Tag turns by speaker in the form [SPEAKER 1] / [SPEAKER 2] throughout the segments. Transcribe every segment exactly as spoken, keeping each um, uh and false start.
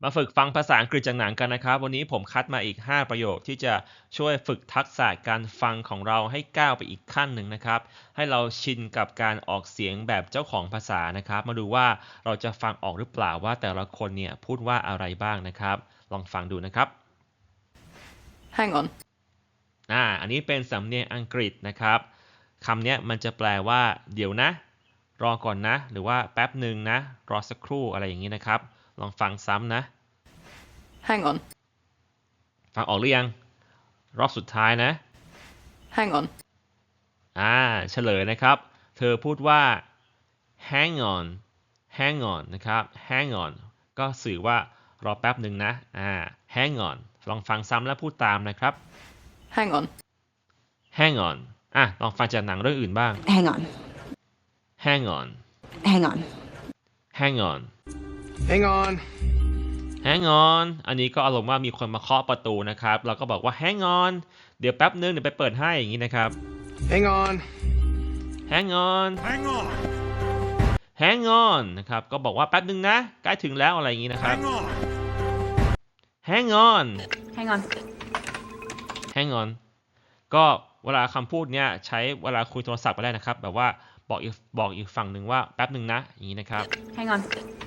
[SPEAKER 1] มาฝึกฟังภาษาอังกฤษจากหนังกันนะครับวันนี้ผมคัดมาอีกห้าประโยคที่จะช่วยฝึกทักษะการฟังของเราให้ก้าวไปอีกขั้นหนึ่งนะครับให้เราชินกับการออกเสียงแบบเจ้าของภาษานะครับมาดูว่าเราจะฟังออกหรือเปล่าว่าแต่ละคนเนี่ยพูดว่าอะไรบ้างนะครับลองฟังดูนะครับ
[SPEAKER 2] Hang on.
[SPEAKER 1] อ่าอันนี้เป็นสำเนียงอังกฤษนะครับคำนี้มันจะแปลว่าเดี๋ยวนะรอก่อนนะหรือว่าแป๊บหนึ่งนะรอสักครู่อะไรอย่างนี้นะครับลองฟังซ้ำนะ
[SPEAKER 2] Hang on.
[SPEAKER 1] ฟังออกหรือยังรอบสุดท้ายนะ
[SPEAKER 2] Hang on.
[SPEAKER 1] อ่าเฉลยนะครับเธอพูดว่า hang on hang on นะครับ hang on ก็สื่อว่ารอแป๊บหนึ่งนะอ่า hang on ลองฟังซ้ำแล้วพูดตามนะครับ
[SPEAKER 2] Hang on.
[SPEAKER 1] hang on อ่ะลองฟังจากหนังเรื่องอื่นบ้าง
[SPEAKER 3] Hang on.
[SPEAKER 1] hang on
[SPEAKER 3] Hang on.
[SPEAKER 1] hang on
[SPEAKER 4] Hang on.
[SPEAKER 1] hang on อันนี้ก็อารมณ์ว่ามีคนมาเคาะประตูนะครับเราก็บอกว่า hang on เดี๋ยวแป๊บนึงเดี๋ยวไปเปิดให้อย่างนี้นะครับ
[SPEAKER 4] Hang on.
[SPEAKER 1] hang on
[SPEAKER 5] Hang on.
[SPEAKER 1] hang on นะครับก็บอกว่าแป๊บนึงนะใกล้ถึงแล้วอะไรอย่างนี้นะครับ
[SPEAKER 5] Hang on.
[SPEAKER 1] hang on
[SPEAKER 3] Hang on.
[SPEAKER 1] hang on ก็เวลาคำพูดเนี้ยใช้เวลาคุยโทรศัพท์ก็ได้นะครับแบบว่าบอกอีกบอกอีกฝั่งหนึ่งว่าแป๊บนึงนะอย่างนี้นะครับ
[SPEAKER 3] Hang on.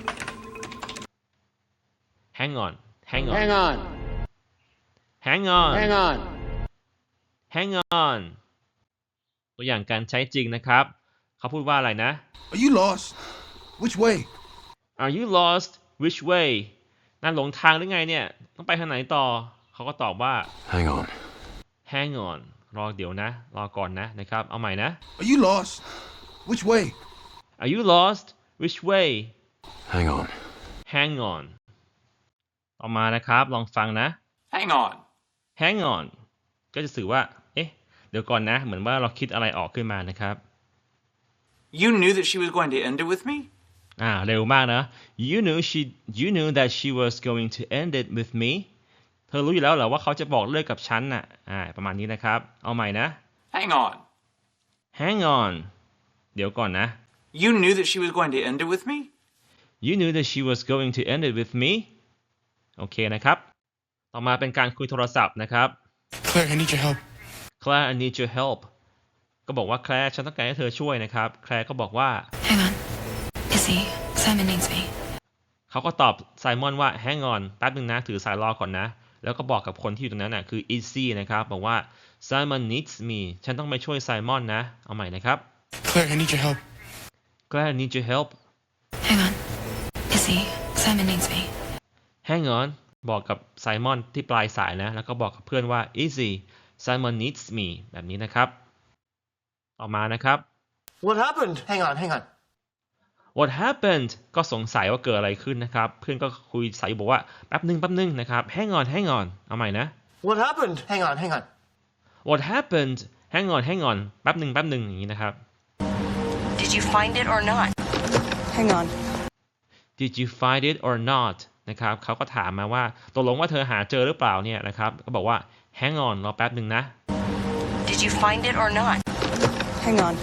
[SPEAKER 1] hang on hang on
[SPEAKER 4] Hang on.
[SPEAKER 1] hang on
[SPEAKER 4] Hang on.
[SPEAKER 1] hang on ตัวอย่างการใช้จริงนะครับเขาพูดว่าอะไรนะ
[SPEAKER 5] Are you lost? Which way?
[SPEAKER 1] Are you lost which way นั่นหลงทางหรือไงเนี่ยต้องไปทางไหนต่อเขาก็ตอบว่า
[SPEAKER 5] Hang on.
[SPEAKER 1] hang on รอเดี๋ยวนะรอก่อนนะนะครับเอาใหม่นะ
[SPEAKER 5] Are you lost? Which way?
[SPEAKER 1] Are you lost which way
[SPEAKER 5] Hang on.
[SPEAKER 1] hang on ต่อมานะครับลองฟังนะ
[SPEAKER 6] Hang on.
[SPEAKER 1] hang on ก็จะสื่อว่าเอ๊ะเดี๋ยวก่อนนะเหมือนว่าเราคิดอะไรออกขึ้นมานะครับ
[SPEAKER 6] You knew that she was going to end it with me?
[SPEAKER 1] อ่าเร็วมากนะ you knew she you knew that she was going to end it with me เธอรู้อยู่แล้วเหรอว่าเขาจะบอกเลิกกับฉันน่ะอ่าประมาณนี้นะครับเอาใหม่นะ
[SPEAKER 6] Hang on.
[SPEAKER 1] hang on เดี๋ยวก่อนนะ
[SPEAKER 6] You knew that she was going to end it with me?
[SPEAKER 1] you knew that she was going to end it with me โอเคนะครับต่อมาเป็นการคุยโทรศัพท์นะครับ
[SPEAKER 5] Claire, I need your help.
[SPEAKER 1] Claire I need your help ก็บอกว่าแคลร์ฉันต้องการให้เธอช่วยนะครับแคลร์ก็บอกว่า
[SPEAKER 7] Hang on. Izzy, Simon needs me.
[SPEAKER 1] เขาก็ตอบไซมอนว่า hang on แป๊บนึงนะถือสายรอก่อนนะแล้วก็บอกกับคนที่อยู่ตรงนั้นน่ะคือ Izzy นะครับบอกว่า Simon needs me ฉันต้องไปช่วยไซมอนนะเอาใหม่นะครับ
[SPEAKER 5] Claire, I need your help.
[SPEAKER 1] Claire I need your help
[SPEAKER 7] Hang on. Izzy, Simon needs me.
[SPEAKER 1] hang on บอกกับไซมอนที่ปลายสายนะแล้วก็บอกกับเพื่อนว่า Izzy Simon needs me แบบนี้นะครับต่อมานะครับ
[SPEAKER 4] What happened? Hang on, hang on.
[SPEAKER 1] What happened ก็สงสัยว่าเกิดอะไรขึ้นนะครับเพื่อนก็คุยสายบอกว่าแป๊บนึงแป๊บนึงนะครับ hang on hang on เอาใหม่นะ
[SPEAKER 4] What happened? Hang on, hang on.
[SPEAKER 1] What happened hang on hang on แป๊บนึงแป๊บนึงอย่างนี้นะครับ
[SPEAKER 3] Did you find it or not? Hang on.
[SPEAKER 1] Did you find it or not นะครับเขาก็ถามมาว่าตกลงว่าเธอหาเจอหรือเปล่าเนี่ยนะครับก็บอกว่า hang on รอแป๊บนึงนะ
[SPEAKER 3] Did you find it or not? Hang on.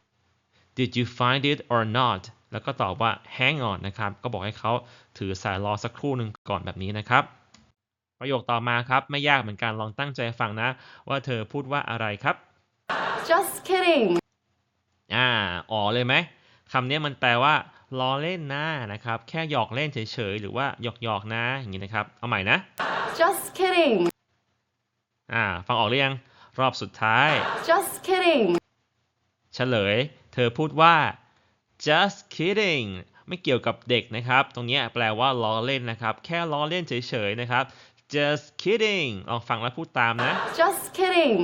[SPEAKER 1] Did you find it or not แล้วก็ตอบว่า hang on นะครับก็บอกให้เขาถือสายรอสักครู่หนึ่งก่อนแบบนี้นะครับประโยคต่อมาครับไม่ยากเหมือนกันลองตั้งใจฟังนะว่าเธอพูดว่าอะไรครับ
[SPEAKER 2] Just kidding.
[SPEAKER 1] อ่าอ๋อเลยไหมคำนี้มันแปลว่าล้อเล่นนะนะครับแค่หยอกเล่นเฉยๆหรือว่าหยอกหยอกนะอย่างนี้นะครับเอาใหม่นะ
[SPEAKER 2] Just kidding.
[SPEAKER 1] อ่าฟังออกหรือยังรอบสุดท้าย
[SPEAKER 2] Just kidding.
[SPEAKER 1] เฉลยเธอพูดว่า just kidding ไม่เกี่ยวกับเด็กนะครับตรงนี้แปลว่าล้อเล่นนะครับแค่ล้อเล่นเฉยๆนะครับ just kidding ลองฟังแล้วพูดตามนะ
[SPEAKER 2] Just kidding.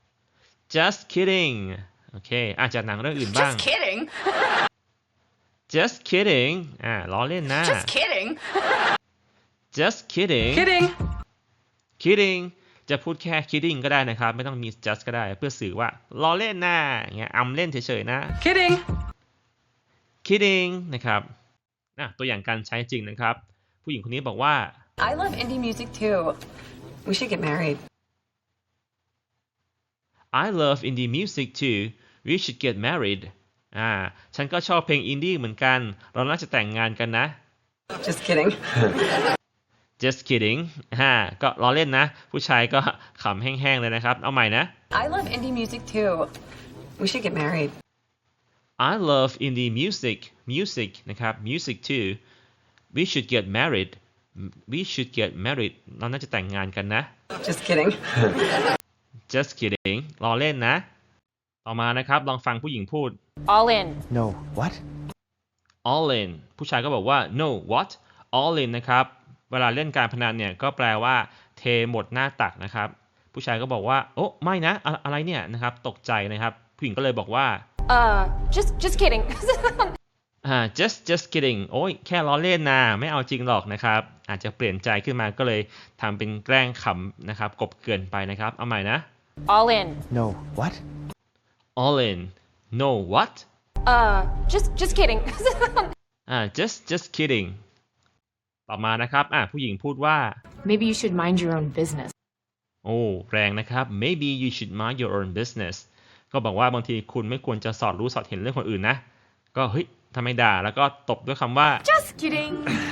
[SPEAKER 1] just kidding โอเคอาจจะหนังเรื่องอื่นบ้าง
[SPEAKER 3] Just kidding.
[SPEAKER 1] just kidding อ่าล้อเล่นนะ
[SPEAKER 3] Just kidding.
[SPEAKER 1] just kidding
[SPEAKER 2] Kidding.
[SPEAKER 1] kidding จะพูดแค่ kidding ก็ได้นะครับไม่ต้องมี just ก็ได้เพื่อสื่อว่าล้อเล่นนะอย่างเงี้ยอำเล่นเฉยๆนะ
[SPEAKER 2] Kidding.
[SPEAKER 1] kidding นะครับอ่ะตัวอย่างการใช้จริงนะครับผู้หญิงคนนี้บอกว่า
[SPEAKER 2] I love indie music too. We should get married.
[SPEAKER 1] I love indie music too we should get married อ่าฉันก็ชอบเพลงอินดี้เหมือนกันเราน่าจะแต่งงานกันนะ
[SPEAKER 2] Just kidding.
[SPEAKER 1] just kidding ฮ่าก็ล้อเล่นนะผู้ชายก็ขำแห้งๆเลยนะครับเอาใหม่นะ
[SPEAKER 2] I love indie music too. We should get married.
[SPEAKER 1] I love indie music music นะครับ music too we should get married we should get married เราน่าจะแต่งงานกันนะ
[SPEAKER 2] Just kidding.
[SPEAKER 1] just kidding ล้อเล่นนะต่อมานะครับลองฟังผู้หญิงพูด
[SPEAKER 3] All in.
[SPEAKER 4] No. What?
[SPEAKER 1] all in ผู้ชายก็บอกว่า no what all in นะครับเวลาเล่นการพนันเนี่ยก็แปลว่าเทหมดหน้าตักนะครับผู้ชายก็บอกว่าโอ้ไม่นะอะอะไรเนี่ยนะครับตกใจนะครับผู้หญิงก็เลยบอกว่า
[SPEAKER 3] Uh, just just kidding.
[SPEAKER 1] อ่า just just kidding โอ้ยแค่ล้อเล่นนะไม่เอาจริงหรอกนะครับอาจจะเปลี่ยนใจขึ้นมาก็เลยทำเป็นแกล้งขำนะครับกบเกลื่อนไปนะครับเอาใหม่นะ
[SPEAKER 3] All in.
[SPEAKER 4] No. What?
[SPEAKER 1] all in no what
[SPEAKER 3] Uh, just just kidding.
[SPEAKER 1] อ่า just just kidding ต่อมานะครับอ่าผู้หญิงพูดว่า
[SPEAKER 7] Maybe you should mind your own business.
[SPEAKER 1] โอ้แรงนะครับ maybe you should mind your own business ก็บอกว่าบางทีคุณไม่ควรจะสอดรู้สอดเห็นเรื่องคนอื่นนะก็เฮ้ยทำไมด่าแล้วก็ตบด้วยคำว่า
[SPEAKER 7] Just kidding.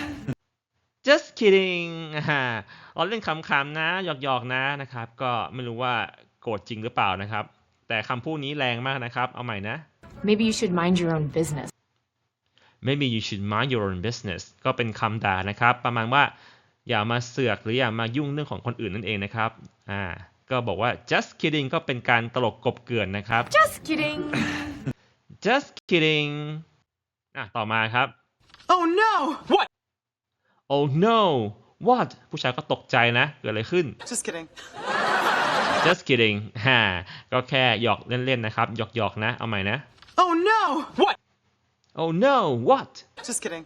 [SPEAKER 1] just kidding อ่าเราเล่นขำๆนะหยอกๆนะนะครับก็ไม่รู้ว่าโกรธจริงหรือเปล่านะครับแต่คำพูดนี้แรงมากนะครับเอาใหม่นะ
[SPEAKER 7] Maybe you should mind your own business.
[SPEAKER 1] maybe you should mind your own business ก็เป็นคำด่านะครับประมาณว่าอย่ามาเสือกหรืออย่ามายุ่งเรื่องของคนอื่นนั่นเองนะครับอ่าก็บอกว่า just kidding ก็เป็นการตลกกบเกลื่อนนะครับ
[SPEAKER 7] Just kidding.
[SPEAKER 1] just kidding อ่ะต่อมาครับ
[SPEAKER 4] Oh no! What?
[SPEAKER 1] oh no what ผู้ชายก็ตกใจนะเกิดอะไรขึ้น
[SPEAKER 4] Just kidding.
[SPEAKER 1] just kidding ฮ่าก็แค่หยอกเล่นๆนะครับหยอกๆนะเอาใหม่นะ
[SPEAKER 4] Oh no! What?
[SPEAKER 1] oh no what
[SPEAKER 4] Just kidding.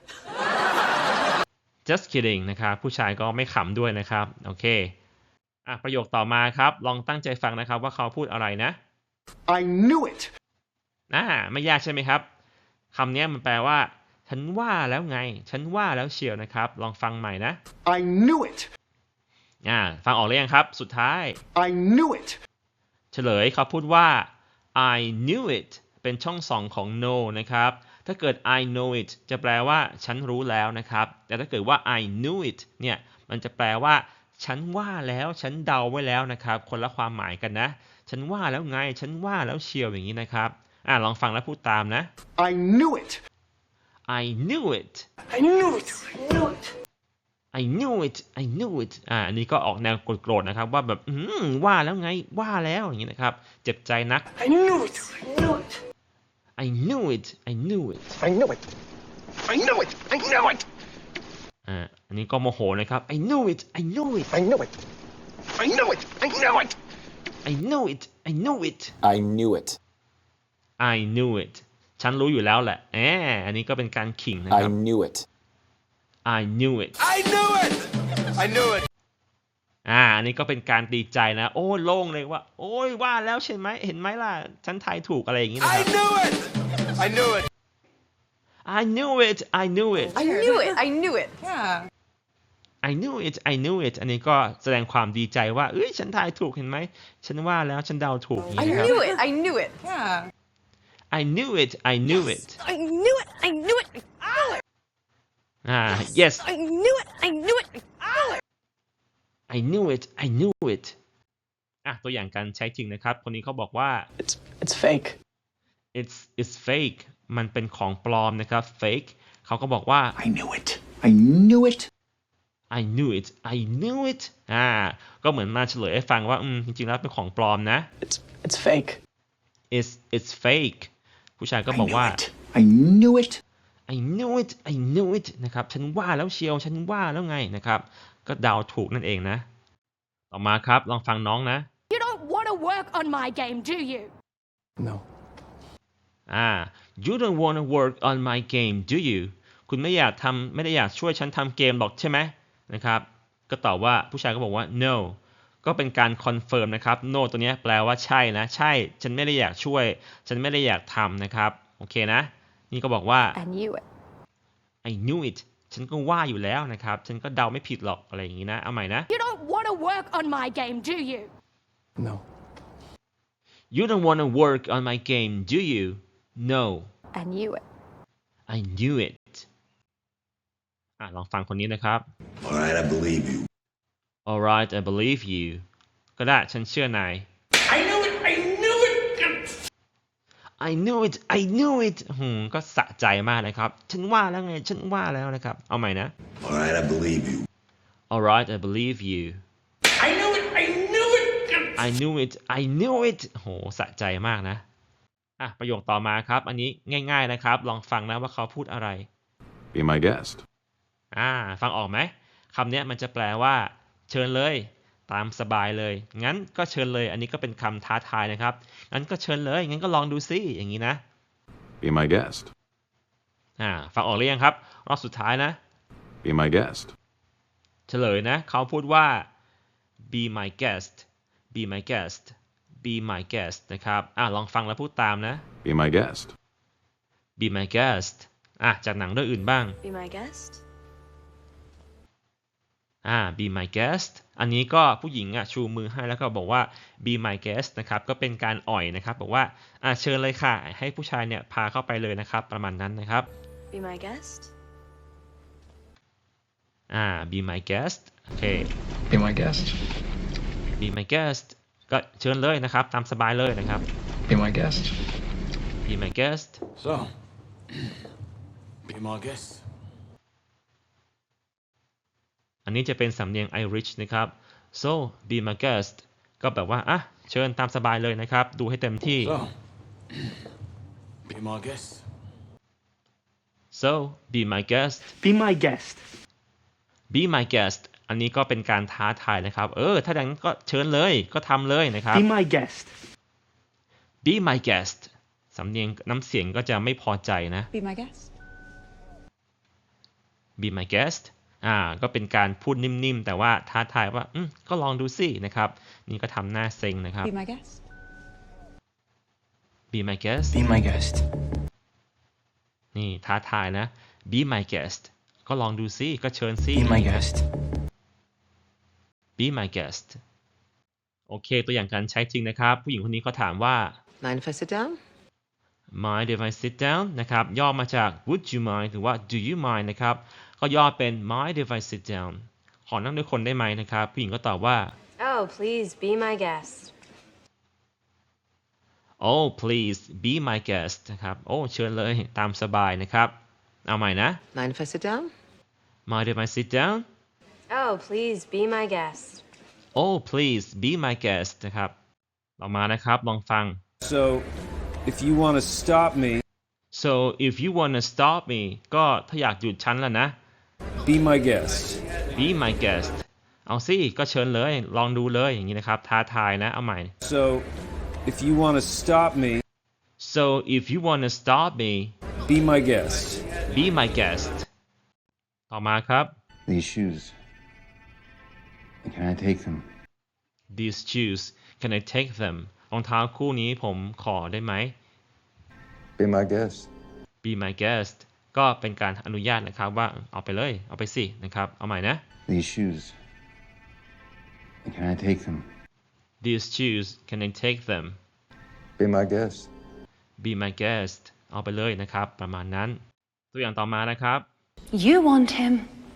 [SPEAKER 1] just kidding นะครับผู้ชายก็ไม่ขำด้วยนะครับโอเคอ่ะประโยคต่อมาครับลองตั้งใจฟังนะครับว่าเขาพูดอะไรนะ
[SPEAKER 4] I knew it.
[SPEAKER 1] อ่าไม่ยากใช่ไหมครับคำนี้มันแปลว่าฉันว่าแล้วไงฉันว่าแล้วเชียวนะครับลองฟังใหม่นะ
[SPEAKER 4] I knew it.
[SPEAKER 1] อ่าฟังออกหรือยังครับสุดท้าย
[SPEAKER 4] I knew it.
[SPEAKER 1] เฉลยเขาพูดว่า I knew it เป็นช่องสองของ know นะครับถ้าเกิด I know it จะแปลว่าฉันรู้แล้วนะครับแต่ถ้าเกิดว่า I knew it เนี่ยมันจะแปลว่าฉันว่าแล้วฉันเดาไว้แล้วนะครับคนละความหมายกันนะฉันว่าแล้วไงฉันว่าแล้วเชียวอย่างนี้นะครับอ่าลองฟังแล้วพูดตามนะ
[SPEAKER 4] I knew it.
[SPEAKER 1] I knew it
[SPEAKER 4] I knew it. I knew it.
[SPEAKER 1] I knew it I knew it อ่าอันนี้ก็ออกแนวโกรธๆนะครับว่าแบบอืมว่าแล้วไงว่าแล้วอย่างนี้นะครับเจ็บใจนัก
[SPEAKER 4] I knew it. I knew it.
[SPEAKER 1] I knew it I knew it
[SPEAKER 4] I knew it. I knew it. I knew it.
[SPEAKER 1] อ่าอันนี้ก็โมโหนะครับ I knew it I knew it
[SPEAKER 4] I knew it. I knew it. I knew it.
[SPEAKER 1] I knew it I knew it
[SPEAKER 5] I knew it.
[SPEAKER 1] I knew it ฉันรู้อยู่แล้วแหละแหมอันนี้ก็เป็นการขิงนะค
[SPEAKER 5] I
[SPEAKER 1] รับ
[SPEAKER 5] knew it.
[SPEAKER 1] I knew it
[SPEAKER 4] I knew it. I knew it.
[SPEAKER 1] อ่าอันนี้ก็เป็นการดีใจนะโอ้โล่งเลยว่าโอ้ยว่าแล้วใช่ไหมเห็นไหมล่ะฉันทายถูกอะไรอย่างนี้นะค
[SPEAKER 4] I
[SPEAKER 1] รับ
[SPEAKER 4] knew it. I knew it.
[SPEAKER 1] I knew it I knew it
[SPEAKER 3] I knew it. I knew it.
[SPEAKER 1] I knew it I knew it อันนี้ก็แสดงความดีใจว่าเอ้ยฉันทายถูกเห็นไหมฉันว่าแล้วฉันเดาถูกอย่าง
[SPEAKER 3] I
[SPEAKER 1] นี้นะครับ
[SPEAKER 3] knew it. I knew it.
[SPEAKER 1] I knew it I knew it
[SPEAKER 3] I knew it. I knew it.
[SPEAKER 1] อ่า yes
[SPEAKER 3] I knew it. I knew it.
[SPEAKER 1] I knew it I knew it อ่ะตัวอย่างการใช้จริงนะครับคนนี้เขาบอกว่า
[SPEAKER 4] It's it's fake.
[SPEAKER 1] it's it's fake มันเป็นของปลอมนะครับ fake เขาก็บอกว่า
[SPEAKER 4] I knew it. I knew it.
[SPEAKER 1] I knew it I knew it อ่าก็เหมือนมาเฉลยให้ฟังว่าอืมจริงๆแล้วเป็นของปลอมนะ
[SPEAKER 4] It's it's fake.
[SPEAKER 1] it's it's fake ผู้ชายก็
[SPEAKER 4] I
[SPEAKER 1] บอก
[SPEAKER 4] knew
[SPEAKER 1] ว่า
[SPEAKER 4] it. I knew it.
[SPEAKER 1] I knew it I knew it นะครับฉันว่าแล้วเชียวฉันว่าแล้วไงนะครับก็เดาถูกนั่นเองนะต่อมาครับลองฟังน้องนะ
[SPEAKER 8] You don't want to work on my game, do you?
[SPEAKER 4] No.
[SPEAKER 1] อ่า you don't wanna work on my game do you คุณไม่อยากทำไม่ได้อยากช่วยฉันทำเกมหรอกใช่ไหมนะครับก็ตอบว่าผู้ชายก็บอกว่า no ก็เป็นการคอนเฟิร์มนะครับ no ตัวนี้แปลว่าใช่นะใช่ฉันไม่ได้อยากช่วยฉันไม่ได้อยากทำนะครับโอเคนะนี่ก็บอกว่า
[SPEAKER 3] I knew it.
[SPEAKER 1] I knew it ฉันก็ว่าอยู่แล้วนะครับฉันก็เดาไม่ผิดหรอกอะไรอย่างนี้นะเอาใหม่นะ
[SPEAKER 8] You don't want to work on my game, do you?
[SPEAKER 4] No.
[SPEAKER 1] You don't wanna work on my game do you no
[SPEAKER 3] I knew it.
[SPEAKER 1] I knew it อ่ะลองฟังคนนี้นะครับ
[SPEAKER 5] All right, I believe you.
[SPEAKER 1] Alright I believe you ก็ได้ฉันเชื่อนาย
[SPEAKER 5] I knew it. I knew it.
[SPEAKER 1] I knew it I knew it หืมก็สะใจมากนะครับฉันว่าแล้วไงฉันว่าแล้วนะครับเอาใหม่นะ
[SPEAKER 5] All right, I believe you.
[SPEAKER 1] Alright I believe you
[SPEAKER 5] I knew it. I knew it.
[SPEAKER 1] I knew it I knew it โหสะใจมากนะอ่ะประโยคต่อมาครับอันนี้ง่ายๆนะครับลองฟังนะว่าเขาพูดอะไร
[SPEAKER 5] Be my guest.
[SPEAKER 1] อ่าฟังออกไหมคำเนี้ยมันจะแปลว่าเชิญเลยตามสบายเลยงั้นก็เชิญเลยอันนี้ก็เป็นคำท้าทายนะครับงั้นก็เชิญเลยงั้นก็ลองดูซิอย่างนี้นะ
[SPEAKER 5] Be my guest.
[SPEAKER 1] อ่าฟังออกหรือยังครับรอบสุดท้ายนะ
[SPEAKER 5] Be my guest.
[SPEAKER 1] เฉลยนะเขาพูดว่า be my guest be my guest be my guest นะครับอ่าลองฟังแล้วพูดตามนะ
[SPEAKER 5] Be my guest.
[SPEAKER 1] be my guest อ่ะจากหนังเรื่องอื่นบ้าง
[SPEAKER 3] Be my guest.
[SPEAKER 1] อ่า be my guest อันนี้ก็ผู้หญิงอ่ะชูมือให้แล้วก็บอกว่า be my guest นะครับก็เป็นการอ่อยนะครับบอกว่าอ่าเชิญเลยค่ะให้ผู้ชายเนี่ยพาเข้าไปเลยนะครับประมาณนั้นนะครับ
[SPEAKER 3] Be my guest.
[SPEAKER 1] อ่า be my guest โอเค
[SPEAKER 4] Be my guest.
[SPEAKER 1] be my guest ก็เชิญเลยนะครับตามสบายเลยนะครับ
[SPEAKER 4] Be my guest.
[SPEAKER 1] be my guest
[SPEAKER 5] So, be my guest.
[SPEAKER 1] อันนี้จะเป็นสำเนียง Irish นะครับ so be my guest ก็แบบว่าอ่ะเชิญตามสบายเลยนะครับดูให้เต็มที่
[SPEAKER 5] So, be my guest.
[SPEAKER 1] so be my guest
[SPEAKER 9] Be my guest.
[SPEAKER 1] be my guest อันนี้ก็เป็นการท้าทายนะครับเออถ้าอย่างนั้นก็เชิญเลยก็ทำเลยนะครับ
[SPEAKER 9] Be my guest.
[SPEAKER 1] be my guest สำเนียงน้ำเสียงก็จะไม่พอใจนะ
[SPEAKER 2] Be my guest.
[SPEAKER 1] be my guest อ่าก็เป็นการพูดนิ่มๆแต่ว่าท้าทายว่าอืมก็ลองดูสินะครับนี่ก็ทำหน้าเซ็งนะครับ
[SPEAKER 2] Be my guest.
[SPEAKER 1] be my guest
[SPEAKER 4] Be my guest.
[SPEAKER 1] นี่ท้าทายนะ be my guest ก็ลองดูสิก็เชิญสิ
[SPEAKER 4] Be my guest.
[SPEAKER 1] be my guest โอเคตัวอย่างการใช้จริงนะครับผู้หญิงคนนี้ก็ถามว่า
[SPEAKER 3] Mind if I sit down?
[SPEAKER 1] mind if I sit down นะครับย่อมาจาก would you mind หรือว่า do you mind นะครับก็ย่อเป็น mind if I sit down ขอนั่งด้วยคนได้ไหมนะครับผู้หญิงก็ตอบว่า
[SPEAKER 3] Oh, please be my guest.
[SPEAKER 1] oh please be my guest นะครับโอ้เชิญเลยตามสบายนะครับเอาใหม่นะ
[SPEAKER 3] Mind if I sit down?
[SPEAKER 1] mind if I sit down
[SPEAKER 3] Oh, please be my guest.
[SPEAKER 1] oh please be my guest นะครับต่อมานะครับลองฟัง
[SPEAKER 10] So, if you want to stop me,
[SPEAKER 1] so if you wanna stop me ก็ถ้าอยากหยุดฉันแล้วนะ
[SPEAKER 10] be my guest.
[SPEAKER 1] be my guest เอาสิก็เชิญเลยลองดูเลยอย่างนี้นะครับท้าทายนะเอาใหม่
[SPEAKER 10] So, if you want to stop me,
[SPEAKER 1] so if you wanna stop me
[SPEAKER 10] be my guest.
[SPEAKER 1] be my guest ต่อมาครับ
[SPEAKER 5] These shoes. Can I take them?
[SPEAKER 1] these shoes can I take them รองเท้าคู่นี้ผมขอได้ไหม
[SPEAKER 5] Be my guest.
[SPEAKER 1] be my guest ก็เป็นการอนุญาตนะครับว่าเอาไปเลยเอาไปสินะครับเอาใหม่นะ
[SPEAKER 5] These shoes. Can I take them?
[SPEAKER 1] these shoes can I take them
[SPEAKER 5] Be my guest.
[SPEAKER 1] be my guest เอาไปเลยนะครับประมาณนั้นตัวอย่างต่อมานะครับ
[SPEAKER 7] You want him.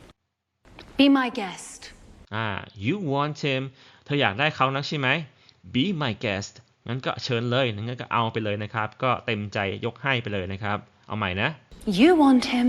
[SPEAKER 7] Be my guest.
[SPEAKER 1] อ่า you want him เธออยากได้เขานักใช่ไหม be my guest งั้นก็เชิญเลยงั้นก็เอาไปเลยนะครับก็เต็มใจยกให้ไปเลยนะครับเอาใหม่นะ
[SPEAKER 7] You want him.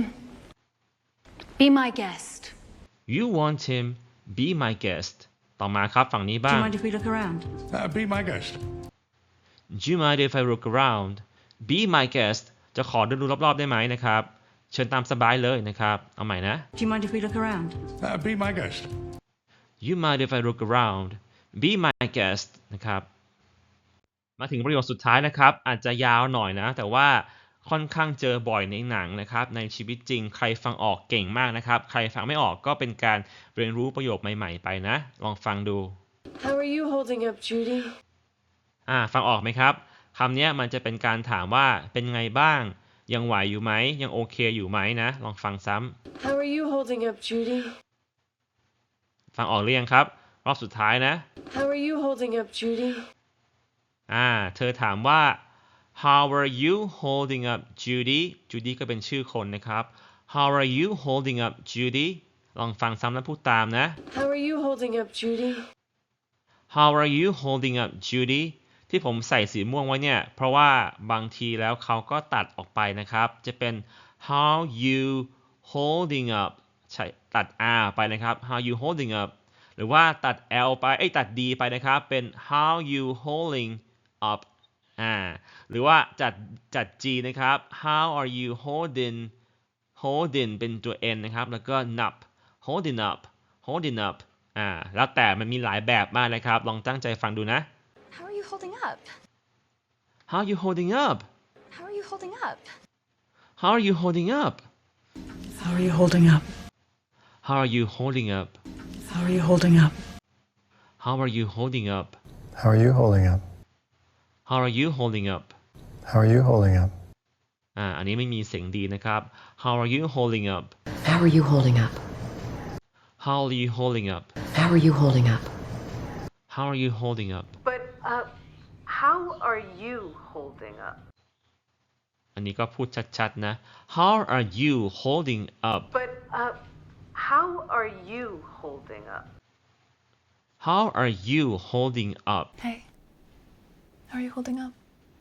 [SPEAKER 7] Be my guest.
[SPEAKER 1] you want him be my guest ต่อมาครับฝั่งนี้บ้าง
[SPEAKER 2] if we look around?
[SPEAKER 5] Uh, be my guest.
[SPEAKER 1] do you mind if I look around be my guest จะขอเดินดูรอบๆได้ไหมนะครับเชิญตามสบายเลยนะครับเอาใหม่นะ
[SPEAKER 2] Do you mind if we look around?
[SPEAKER 5] Uh, be my guest.
[SPEAKER 1] you mind if I look around be my guest นะครับมาถึงประโยคสุดท้ายนะครับอาจจะยาวหน่อยนะแต่ว่าค่อนข้างเจอบ่อยในหนังนะครับในชีวิตจริงใครฟังออกเก่งมากนะครับใครฟังไม่ออกก็เป็นการเรียนรู้ประโยคใหม่ๆไปนะลองฟังดู
[SPEAKER 3] How are you holding up, Judy?
[SPEAKER 1] อ่าฟังออกไหมครับคำนี้มันจะเป็นการถามว่าเป็นไงบ้างยังไหวอยู่ไหมยังโอเคอยู่ไหมนะลองฟังซ้ำ
[SPEAKER 3] How are you holding up, Judy?
[SPEAKER 1] ฟังออกหรือยังครับรอบสุดท้ายนะ
[SPEAKER 3] How are you holding up, Judy?
[SPEAKER 1] อ่าเธอถามว่า how are you holding up Judy Judy ก็เป็นชื่อคนนะครับ How are you holding up Judy ลองฟังซ้ำแล้วพูดตามนะ
[SPEAKER 2] How are you holding up, Judy?
[SPEAKER 1] How are you holding up Judy ที่ผมใส่สีม่วงไว้เนี่ยเพราะว่าบางทีแล้วเขาก็ตัดออกไปนะครับจะเป็น How you holding up ใช่ตัด R ไปนะครับ How you holding up หรือว่าตัด L ไปเอ้ยตัด D ไปนะครับเป็น How you holding up อ่าหรือว่าจัดจัด G นะครับ How are you holding holding เป็นตัว N นะครับแล้วก็ up holding up holding up อ่าแล้วแต่มันมีหลายแบบมากนะครับลองตั้งใจฟังดูนะ
[SPEAKER 7] How are you holding up?
[SPEAKER 1] How are you holding up
[SPEAKER 7] How are you holding up?
[SPEAKER 1] How are you holding up
[SPEAKER 2] How are you holding up?
[SPEAKER 1] How are you holding up
[SPEAKER 2] How are you holding up?
[SPEAKER 1] How are you holding up
[SPEAKER 5] How are you holding up?
[SPEAKER 1] How are you holding up
[SPEAKER 5] How are you holding up?
[SPEAKER 1] อ่าอันนี้ไม่มีเสียงดีนะครับ How are you holding up
[SPEAKER 2] How are you holding up?
[SPEAKER 1] How are you holding up
[SPEAKER 2] How are you holding up?
[SPEAKER 1] How are you holding up
[SPEAKER 9] But, uh, how are you holding up?
[SPEAKER 1] อันนี้ก็พูดชัดๆนะ How are you holding up
[SPEAKER 9] But, uh, how are you holding up?
[SPEAKER 1] How are you holding up
[SPEAKER 7] Hey, how are you holding up?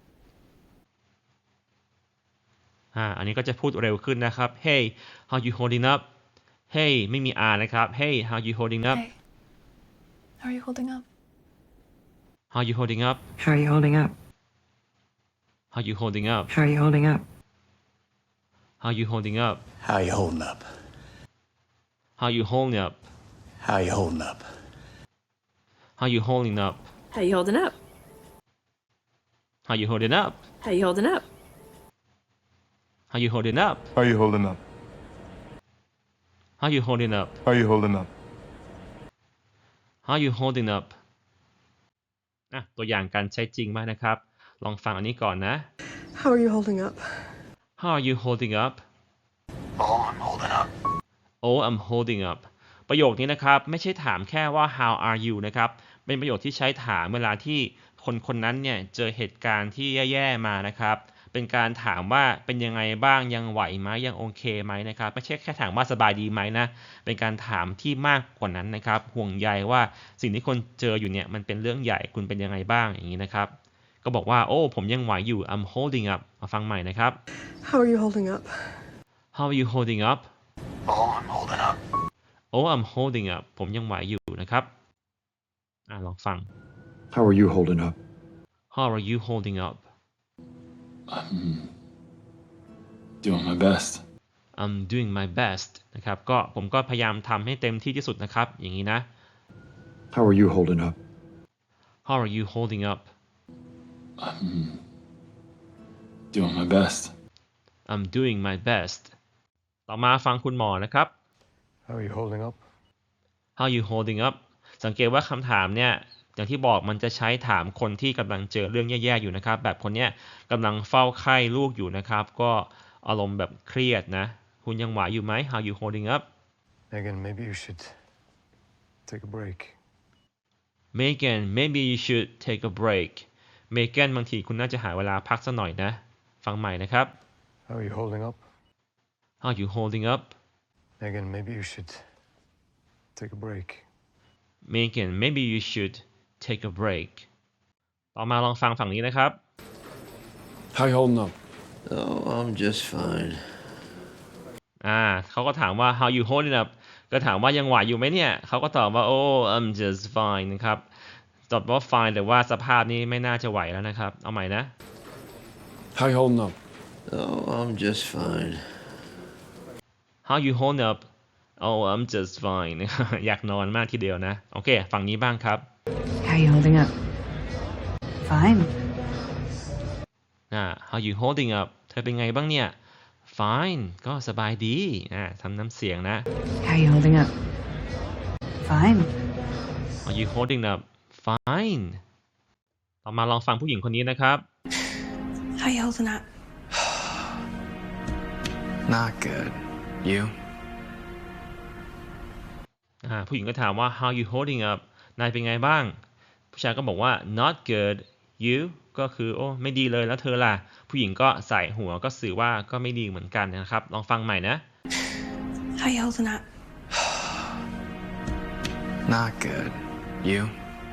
[SPEAKER 1] อ่าอันนี้ก็จะพูดเร็วขึ้นนะครับ Hey how you holding up Hey ไม่มี R นะครับ Hey how you holding up
[SPEAKER 7] Hey, how are you holding up?
[SPEAKER 1] How you holding up
[SPEAKER 2] How are you holding up?
[SPEAKER 1] How you holding up
[SPEAKER 2] How are you holding up?
[SPEAKER 1] How you holding up
[SPEAKER 5] How you holding up?
[SPEAKER 1] How you holding up
[SPEAKER 5] How you holding up?
[SPEAKER 1] How you holding up
[SPEAKER 2] How you holding up?
[SPEAKER 1] How you holding up
[SPEAKER 2] How you holding up?
[SPEAKER 1] How you holding up
[SPEAKER 11] How you holding up?
[SPEAKER 1] How you holding up
[SPEAKER 11] How you holding up?
[SPEAKER 1] How you holding up อ่ะตัวอย่างการใช้จริงมากนะครับลองฟังอันนี้ก่อนนะ
[SPEAKER 2] How are you holding up?
[SPEAKER 1] How are you holding up
[SPEAKER 5] Oh, I'm holding up.
[SPEAKER 1] Oh I'm holding up ประโยคนี้นะครับไม่ใช่ถามแค่ว่า How are you นะครับเป็นประโยคที่ใช้ถามเวลาที่คนคนนั้นเนี่ยเจอเหตุการณ์ที่แย่ๆมานะครับเป็นการถามว่าเป็นยังไงบ้างยังไหวไหมยังโอเคไหมนะครับไม่ใช่แค่ถามว่าสบายดีไหมนะเป็นการถามที่มากกว่านั้นนะครับห่วงใยว่าสิ่งที่คนเจออยู่เนี่ยมันเป็นเรื่องใหญ่คุณเป็นยังไงบ้างอย่างนี้นะครับก็บอกว่าโอ้ผมยังไหวอยู่ I'm holding up มาฟังใหม่นะครับ
[SPEAKER 2] How are you holding up?
[SPEAKER 1] How are you holding up
[SPEAKER 5] Oh, I'm holding up.
[SPEAKER 1] Oh I'm holding up ผมยังไหวอยู่นะครับอ่ะลองฟัง
[SPEAKER 4] How are you holding up?
[SPEAKER 1] How are you holding up
[SPEAKER 11] I'm doing my best.
[SPEAKER 1] I'm doing my best นะครับก็ผมก็พยายามทำให้เต็มที่ที่สุดนะครับอย่างนี้นะ
[SPEAKER 4] How are you holding up?
[SPEAKER 1] How are you holding up
[SPEAKER 11] I'm doing my best.
[SPEAKER 1] I'm doing my best ต่อมาฟังคุณหมอนะครับ
[SPEAKER 5] How are you holding up?
[SPEAKER 1] How you holding up สังเกตว่าคำถามเนี่ยอย่างที่บอกมันจะใช้ถามคนที่กำลังเจอเรื่องแย่ๆอยู่นะครับแบบคนเนี้ยกำลังเฝ้าไข้ลูกอยู่นะครับก็อารมณ์แบบเครียดนะคุณยังไหวอยู่ไหม How you holding up
[SPEAKER 5] Megan, maybe you should take a break.
[SPEAKER 1] Megan maybe you should take a break Megan บางทีคุณน่าจะหาเวลาพักสักหน่อยนะฟังใหม่นะครับ
[SPEAKER 5] How are you holding up?
[SPEAKER 1] How you holding up
[SPEAKER 5] Megan, maybe you should take a break.
[SPEAKER 1] Megan maybe you should take a break ต่อมาลองฟังฝั่งนี้นะครับ
[SPEAKER 10] How you holding up?
[SPEAKER 5] Oh, I'm just fine.
[SPEAKER 1] อ่าเขาก็ถามว่า how you holding up ก็ถามว่ายังไหวอยู่ไหมเนี่ยเขาก็ตอบว่า oh I'm just fine นะครับตอบว่า fine แต่ว่าสภาพนี้ไม่น่าจะไหวแล้วนะครับเอาใหม่นะ
[SPEAKER 10] How you holding up?
[SPEAKER 5] Oh, I'm just fine.
[SPEAKER 1] how you holding up oh I'm just fine อยากนอนมากทีเดียวนะโอเคฝั่งนี้บ้างครับ
[SPEAKER 2] How are you holding up? Fine.
[SPEAKER 1] อ่า how you holding up เธอเป็นไงบ้างเนี่ย fine ก็สบายดีอ่าทำน้ำเสียงนะ
[SPEAKER 2] How are you holding up? Fine.
[SPEAKER 1] how you holding up fine ต่อมาลองฟังผู้หญิงคนนี้นะครับ
[SPEAKER 7] How are you holding up?
[SPEAKER 4] Not good. You?
[SPEAKER 1] อ่าผู้หญิงก็ถามว่า how you holding up นายเป็นไงบ้างผู้ชายก็บอกว่า not good you ก็คือโอ้ไม่ดีเลยแล้วเธอล่ะผู้หญิงก็ใส่หัวก็สื่อว่าก็ไม่ดีเหมือนกันนะครับลองฟังใหม่นะ
[SPEAKER 7] How you holding up?
[SPEAKER 4] Not good. You?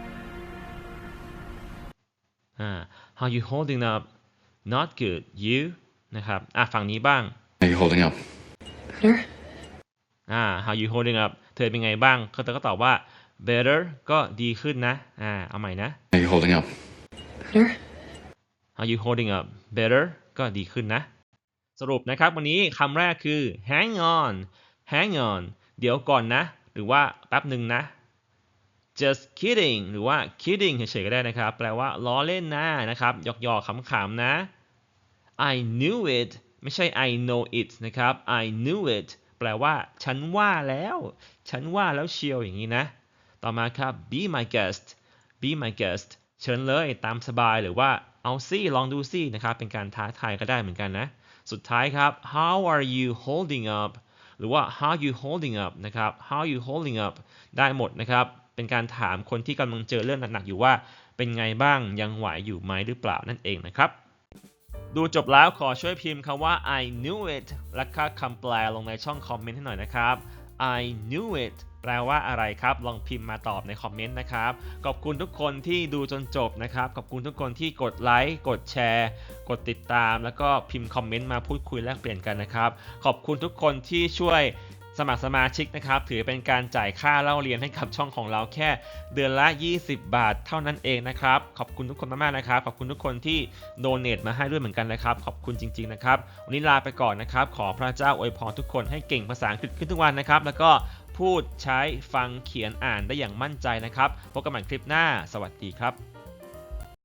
[SPEAKER 1] อ่า how you holding up not good you นะครับอ่ะฝั่งนี้บ้าง
[SPEAKER 5] How you holding up?
[SPEAKER 2] Better?
[SPEAKER 1] อ่า how you holding up เธอเป็นไงบ้างเขาก็ตอบว่า better ก็ดีขึ้นนะอ่าเอาใหม่นะ
[SPEAKER 5] How you holding up?
[SPEAKER 2] Better?
[SPEAKER 1] how you holding up better ก็ดีขึ้นนะสรุปนะครับวันนี้คำแรกคือ hang on hang on เดี๋ยวก่อนนะหรือว่าแป๊บหนึ่งนะ just kidding หรือว่า kidding เฉยๆก็ได้นะครับแปลว่าล้อเล่นนะนะครับหยอกๆขำๆนะ I knew it ไม่ใช่ I know it นะครับ I knew it แปลว่าฉันว่าแล้วฉันว่าแล้วเชียวอย่างนี้นะต่อมาครับ be my guest be my guest เชิญเลยตามสบายหรือว่าเอาสิลองดูสินะครับเป็นการท้าทายก็ได้เหมือนกันนะสุดท้ายครับ how are you holding up หรือว่า how you holding up นะครับ how you holding up ได้หมดนะครับเป็นการถามคนที่กำลังเจอเรื่องหนักๆอยู่ว่าเป็นไงบ้างยังไหวอยู่ไหมหรือเปล่านั่นเองนะครับดูจบแล้วขอช่วยพิมพ์คำว่า I knew it และค่าคำแปลลงในช่องคอมเมนต์ให้หน่อยนะครับ I knew it แปลว่าอะไรครับลองพิมพ์มาตอบในคอมเมนต์นะครับขอบคุณทุกคนที่ดูจนจบนะครับขอบคุณทุกคนที่กดไลค์กดแชร์กดติดตามแล้วก็พิมพ์คอมเมนต์มาพูดคุยแลกเปลี่ยนกันนะครับขอบคุณทุกคนที่ช่วยสมัครสมาชิกนะครับถือเป็นการจ่ายค่าเล่าเรียนให้กับช่องของเราแค่เดือนละยี่สิบบาทเท่านั้นเองนะครับขอบคุณทุกคนมากๆนะครับขอบคุณทุกคนที่โดเนทมาให้ด้วยเหมือนกันนะครับขอบคุณจริงๆนะครับวันนี้ลาไปก่อนนะครับขอพระเจ้าอวยพรทุกคนให้เก่งภาษาอังกฤษขึ้นทุกวันนะครับแล้วก็พูดใช้ฟังเขียนอ่านได้อย่างมั่นใจนะครับพบกันใหม่คลิปหน้าสวัสดีครับ